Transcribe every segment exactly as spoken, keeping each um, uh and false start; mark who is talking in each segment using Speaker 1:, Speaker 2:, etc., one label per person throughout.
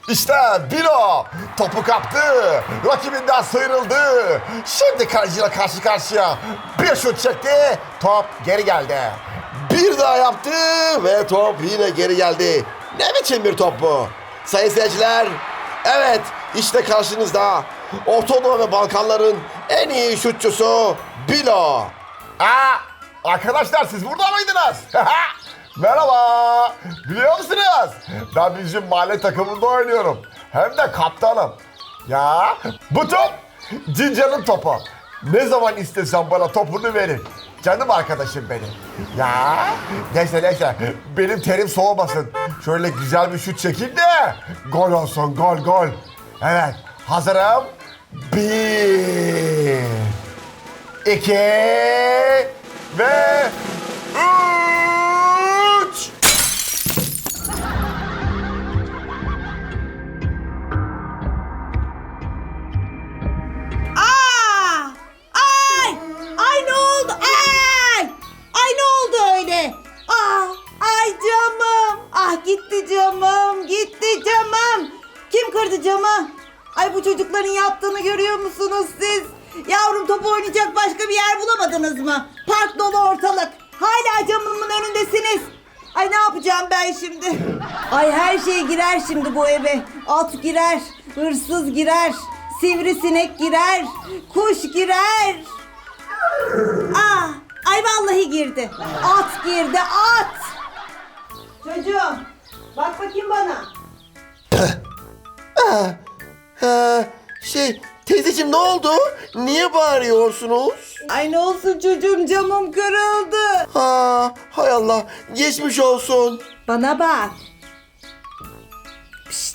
Speaker 1: İşte Bilo topu kaptı. Rakibinden sıyrıldı. Şimdi kalecine karşı karşıya bir şut çekti. Top geri geldi. Bir daha yaptı ve top yine geri geldi. Ne biçim bir top bu? Sayın seyirciler, evet işte karşınızda Orta Doğu ve Balkanların en iyi şutçusu Bilo. Aa, arkadaşlar siz burada mıydınız? Merhaba. Biliyor musunuz? Ben bizim mahalle takımında oynuyorum. Hem de kaptanım. Ya bu top Cinca'nın topu. Ne zaman istesem bana topunu verin. Canım arkadaşım benim. Ya neyse neyse benim terim soğumasın. Şöyle güzel bir şut çekeyim de gol olsun, gol gol. Evet hazırım. Bir, iki ve üç.
Speaker 2: Aa! Ay! Ay ne oldu? Ay! Ay ne oldu öyle? Aa! Ay camım! Ah gitti camım! Gitti camım! Kim kırdı camı? Ay bu çocukların yaptığını görüyor musunuz siz? Yavrum top oynayacak başka bir yer bulamadınız mı? Park dolu ortalık. Hala camımın önündesiniz. Ay ne yapacağım ben şimdi? Ay her şey girer şimdi bu eve. At girer, hırsız girer, sivrisinek girer, kuş girer. Aa, ay vallahi girdi. At girdi, at. Çocuğum, bak bakayım bana.
Speaker 3: Ha, şey teyzeciğim ne oldu? Niye bağırıyorsunuz?
Speaker 2: Ay ne olsun çocuğum camım kırıldı.
Speaker 3: Ha, hay Allah geçmiş olsun.
Speaker 2: Bana bak. Pişt.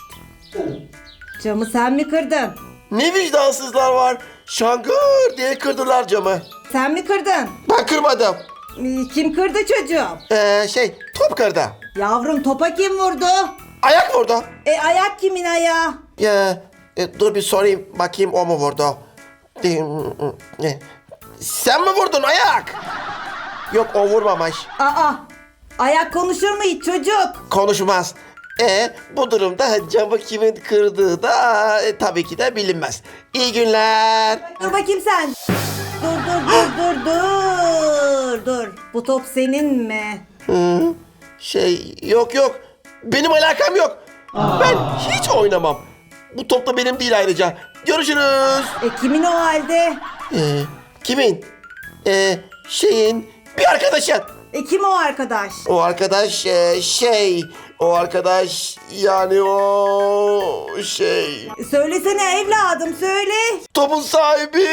Speaker 2: Camı sen mi kırdın?
Speaker 3: Ne vicdansızlar var. Şangır diye kırdılar camı.
Speaker 2: Sen mi kırdın?
Speaker 3: Ben kırmadım.
Speaker 2: Ee, Kim kırdı çocuğum?
Speaker 3: Ee, şey top kırdı.
Speaker 2: Yavrum topa kim vurdu?
Speaker 3: Ayak vurdu.
Speaker 2: E ayak kimin ayağı?
Speaker 3: Ya, e, dur bir sorayım bakayım o mu vurdu? E, e, Sen mi vurdun ayak? Yok o vurmamış.
Speaker 2: Aa, ayak konuşur mu hiç çocuk?
Speaker 3: Konuşmaz. E bu durumda camı kimin kırdığı da e, tabii ki de bilinmez. İyi günler.
Speaker 2: Dur bakayım sen. Dur dur dur dur dur dur. Bu top senin mi?
Speaker 3: Hı, şey yok yok. Benim alakam yok. Ben hiç oynamam. Bu top da benim değil ayrıca. Görüşürüz.
Speaker 2: E kimin o halde?
Speaker 3: E, kimin? E, şeyin bir arkadaşın.
Speaker 2: E kim o arkadaş?
Speaker 3: O arkadaş e, şey. O arkadaş yani o şey.
Speaker 2: Söylesene evladım söyle.
Speaker 3: Topun sahibi.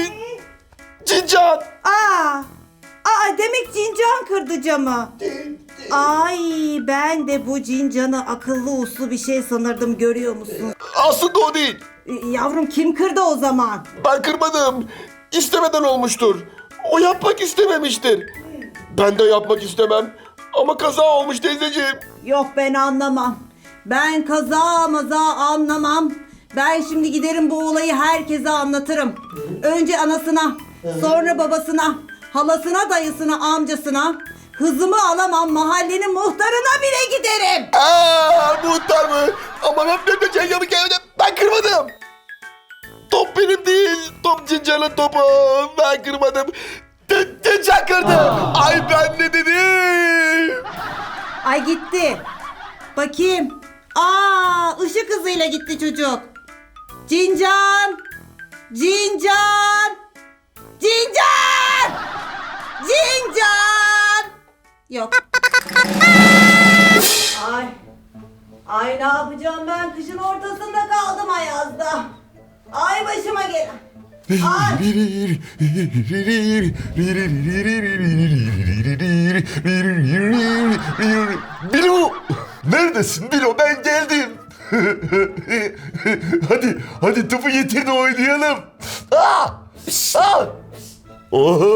Speaker 3: Cincan.
Speaker 2: Aa, aa demek Cincan kırdı camı. Ay ben de bu Cincan'ı akıllı uslu bir şey sanırdım görüyor musun?
Speaker 3: Aslında o değil.
Speaker 2: E, yavrum kim kırdı o zaman?
Speaker 3: Ben kırmadım. İstemeden olmuştur. O yapmak istememiştir. Ben de yapmak istemem. Ama kaza olmuş teyzeciğim.
Speaker 2: Yok ben anlamam. Ben kaza maza anlamam. Ben şimdi giderim bu olayı herkese anlatırım. Önce anasına, sonra babasına, halasına, dayısına, amcasına. Hızımı alamam mahallenin muhtarına bile giderim.
Speaker 3: Aa, muhtar mı? Ama ben ben de yapıp gelmedim. Ben kırmadım. Top benim değil. Top Cincan'ın topu. Ben kırmadım. C- Cincan kırdı. Ay ben ne dedim?
Speaker 2: Ay gitti. Bakayım. Aa, ışık hızıyla gitti çocuk. Cincan! Cincan! Cincan! Cincan! Yok. Ay. Ay ne yapacağım ben kışın ortasında kaldım Ayaz'da. Ay başıma gelen. Ay.
Speaker 1: Bilo! Neredesin Bilo? Ben geldim. hadi, hadi topu getir de oynayalım. Aa! Aa! Oho!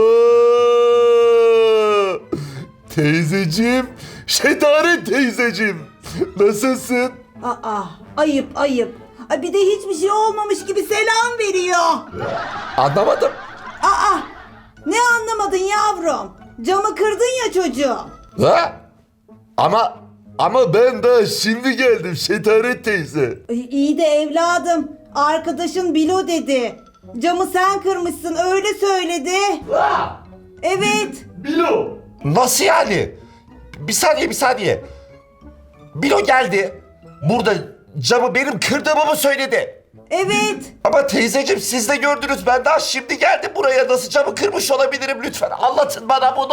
Speaker 1: Teyzeciğim, Şetaret teyzeciğim. Nasılsın?
Speaker 2: Aa, ayıp ayıp. Ay bir de hiçbir şey olmamış gibi selam veriyor.
Speaker 1: Anlamadım.
Speaker 2: Aa, ne anlamadın yavrum? Camı kırdın ya çocuğum.
Speaker 1: Ha? Ama
Speaker 3: Ama ben daha şimdi geldim Şetaret teyze.
Speaker 2: Ay, İyi de evladım. Arkadaşın Bilo dedi. Camı sen kırmışsın öyle söyledi. Evet.
Speaker 3: Bilo.
Speaker 1: Nasıl yani? Bir saniye bir saniye. Bilo geldi. Burada camı benim kırdığımı mı söyledi?
Speaker 2: Evet.
Speaker 1: Ama teyzeciğim siz de gördünüz. Ben daha şimdi geldim buraya. Nasıl camı kırmış olabilirim lütfen? Anlatın bana bunu.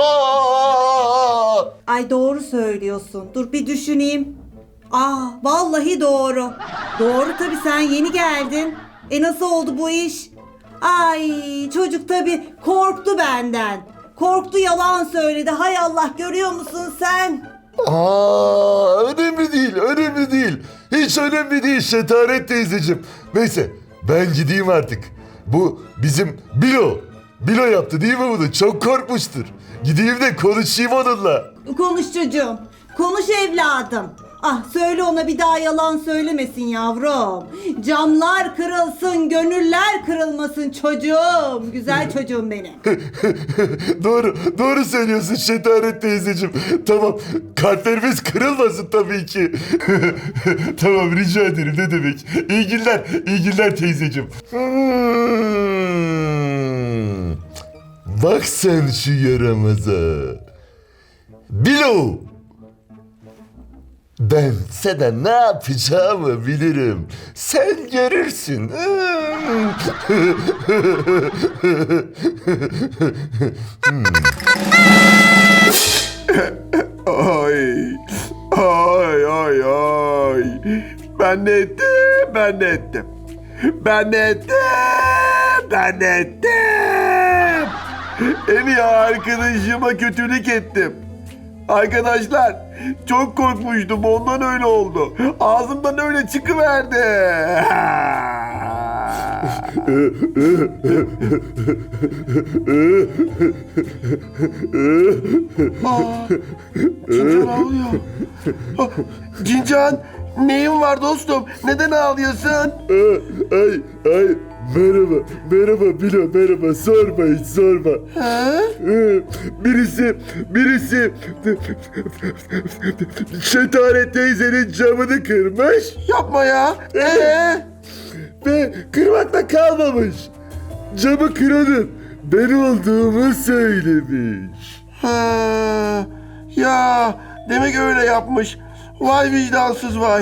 Speaker 2: Ay doğru söylüyorsun. Dur bir düşüneyim. Aa vallahi doğru. Doğru tabii sen yeni geldin. E nasıl oldu bu iş? Ay çocuk tabii korktu benden. Korktu yalan söyledi. Hay Allah görüyor musun sen?
Speaker 3: Aa, önemli değil, önemli değil. Hiç önemli değil Şetaret teyzeciğim. Neyse, ben gideyim artık. Bu bizim Bilo. Bilo yaptı değil mi bunu? Çok korkmuştur. Gideyim de konuşayım onunla.
Speaker 2: Konuş çocuğum. Konuş evladım. Ah söyle ona bir daha yalan söylemesin yavrum. Camlar kırılsın, gönüller kırılmasın çocuğum. Güzel çocuğum benim.
Speaker 3: Doğru, doğru söylüyorsun Şetaret teyzeciğim. Tamam, kalplerimiz kırılmasın tabii ki. Tamam, rica ederim, ne demek. İyi günler, iyi günler teyzeciğim. Hmm. Bak sen şu yaramaza. Bilo! Ben sana ne yapacağımı bilirim. Sen görürsün.
Speaker 4: Ay, ay, ay, ay. Ben ne ettim, ben ne ettim. Ben ne ettim, ben ne ettim. En iyi arkadaşıma kötülük ettim. Arkadaşlar, çok korkmuştum, ondan öyle oldu. Ağzımdan öyle çıkıverdi. Aa, Cincan ağlıyor. Ah, Cincan, neyin var dostum? Neden ağlıyorsun?
Speaker 3: Ay, ay, merhaba, merhaba Bilo, merhaba. Sorma, hiç sorma.
Speaker 4: Ha?
Speaker 3: Birisi, birisi Şetaret teyzenin camını kırmış
Speaker 4: Yapma ya. Ee?
Speaker 3: ve kırmakla kalmamış. Camı kıranın ben olduğumu söylemiş.
Speaker 4: Ha, ya demek öyle yapmış. Vay vicdansız vay.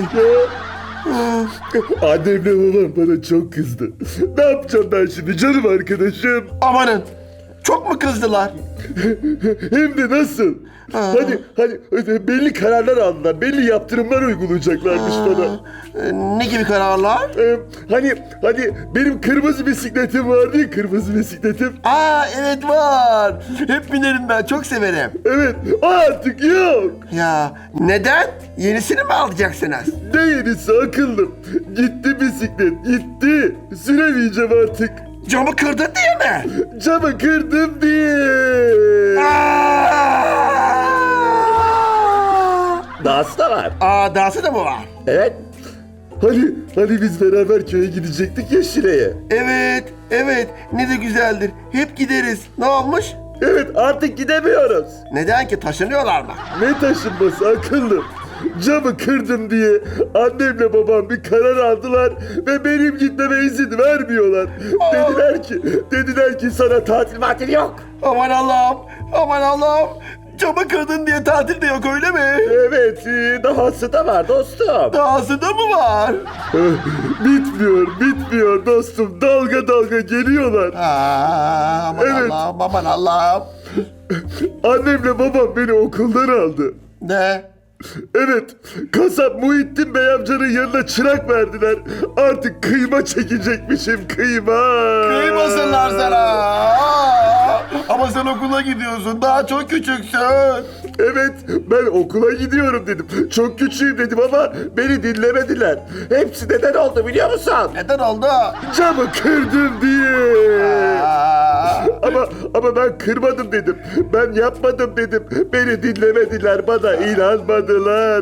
Speaker 3: Annemle babam bana çok kızdı. Ne yapacağım ben şimdi canım arkadaşım?
Speaker 4: Amanın. Çok mu kızdılar?
Speaker 3: Hem de nasıl?
Speaker 4: Ha.
Speaker 3: Hadi, hadi belli kararlar aldılar. Belli yaptırımlar uygulayacaklarmış bana.
Speaker 4: Ee, ne gibi kararlar?
Speaker 3: Ee, hani, hani benim kırmızı bisikletim vardı ya, kırmızı bisikletim.
Speaker 4: Aa evet var. Hep binerim ben. Çok severim.
Speaker 3: Evet, o artık yok.
Speaker 4: Ya neden? Yenisini mi alacaksınız?
Speaker 3: Ne yenisi akıllım. Gitti bisiklet, gitti. Süremeyeceğim artık.
Speaker 4: Camı kırdın diye mi?
Speaker 3: Camı kırdım diye.
Speaker 4: Aa!
Speaker 3: Dahası da var.
Speaker 4: Aa dahası da mı var?
Speaker 3: Evet. Hani, hani biz beraber köye gidecektik ya Şile'ye.
Speaker 4: Evet, evet. Ne de güzeldir. Hep gideriz. Ne olmuş?
Speaker 3: Evet, artık gidemiyoruz.
Speaker 4: Neden ki? Taşınıyorlar mı?
Speaker 3: Ne taşınması akıllım. Camı kırdım diye annemle babam bir karar aldılar ve benim gitmeme izin vermiyorlar. Dediler ki, dediler ki sana tatil matil yok.
Speaker 4: Aman Allah'ım, aman Allah'ım. Camı kırdın diye tatil de yok öyle mi?
Speaker 3: Evet, e, dahası da var dostum.
Speaker 4: Dahası da mı var?
Speaker 3: Bitmiyor, bitmiyor dostum. Dalga dalga geliyorlar.
Speaker 4: Aa, aman
Speaker 3: Evet.
Speaker 4: Allah'ım, aman Allah'ım.
Speaker 3: Annemle babam beni okuldan aldı.
Speaker 4: Ne?
Speaker 3: Evet, kasap Muhittin Bey amcanın yanına çırak verdiler. Artık kıyma çekecekmişim, kıyma.
Speaker 4: Kıymasınlar sana. Aa, ama sen okula gidiyorsun. Daha çok küçüksün.
Speaker 3: Evet, ben okula gidiyorum dedim. Çok küçüğüm dedim ama beni dinlemediler. Hepsi neden oldu biliyor musun?
Speaker 4: Neden oldu?
Speaker 3: Camı kırdım diye.
Speaker 4: Aa,
Speaker 3: Ama ama ben kırmadım dedim. Ben yapmadım dedim. Beni dinlemediler, bana inanmadılar.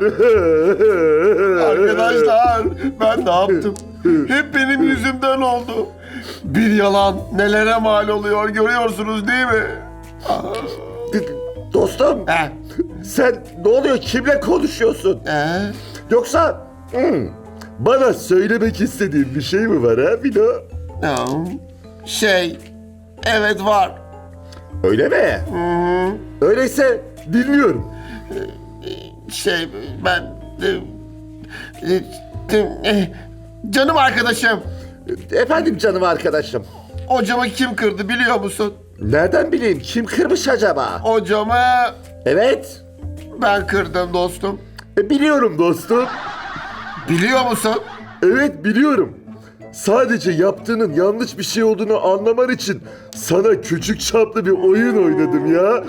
Speaker 4: arkadaşlar ben ne yaptım? Hep benim yüzümden oldu. Bir yalan nelere mal oluyor görüyorsunuz değil mi?
Speaker 1: Dostum.
Speaker 3: He.
Speaker 1: Sen ne oluyor? Kimle konuşuyorsun?
Speaker 3: He.
Speaker 1: Yoksa hmm, bana söylemek istediğin bir şey mi var ha Bilo?
Speaker 3: Ya, Şey, evet var.
Speaker 1: Öyle mi? Öyleyse dinliyorum.
Speaker 3: Şey, ben... e, e, e, Canım arkadaşım,
Speaker 1: Efendim canım arkadaşım.
Speaker 3: o camı kim kırdı biliyor musun?
Speaker 1: Nereden bileyim kim kırmış acaba?
Speaker 3: O camı
Speaker 1: Evet.
Speaker 3: ben kırdım dostum.
Speaker 1: E, biliyorum dostum.
Speaker 3: Biliyor musun?
Speaker 1: Evet biliyorum. Sadece yaptığının yanlış bir şey olduğunu anlaman için sana küçük çaplı bir oyun oynadım ya.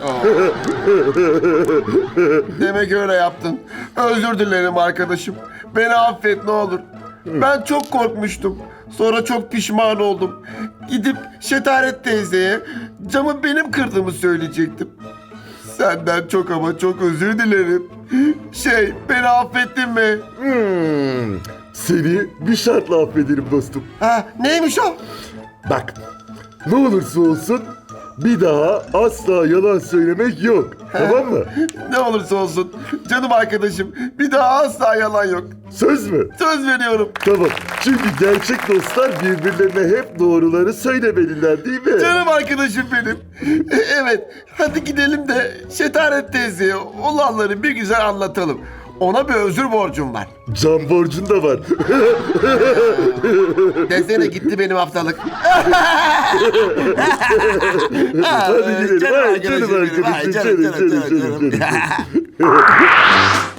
Speaker 3: Demek öyle yaptın. Özür dilerim arkadaşım. Beni affet ne olur. Ben çok korkmuştum. Sonra çok pişman oldum. Gidip Şetaret teyzeye camı benim kırdığımı söyleyecektim. Senden çok ama çok özür dilerim. Şey, beni affettin mi?
Speaker 1: Hmm, seni bir şartla affederim dostum.
Speaker 3: Ha, neymiş o?
Speaker 1: Bak, ne olursa olsun bir daha asla yalan söylemek yok. Tamam mı?
Speaker 3: Ne olursa olsun. Canım arkadaşım, bir daha asla yalan yok.
Speaker 1: Söz mü?
Speaker 3: Söz veriyorum.
Speaker 1: Tamam. Çünkü gerçek dostlar birbirlerine hep doğruları söylemeliler değil mi?
Speaker 3: Canım arkadaşım benim. E, Evet, hadi gidelim de Şetaret teyzeye olanları bir güzel anlatalım. Ona bir özür borcum var.
Speaker 1: Can borcun da var.
Speaker 3: Desene gitti benim haftalık.
Speaker 1: Hadi gidelim.
Speaker 3: Canım
Speaker 1: Ay,
Speaker 3: arkadaşım
Speaker 1: canım
Speaker 3: benim. Ay,
Speaker 1: arkadaşım.
Speaker 3: canım,
Speaker 1: Canım
Speaker 3: canım,
Speaker 1: canım
Speaker 3: canım,
Speaker 1: canım
Speaker 3: canım.
Speaker 1: canım.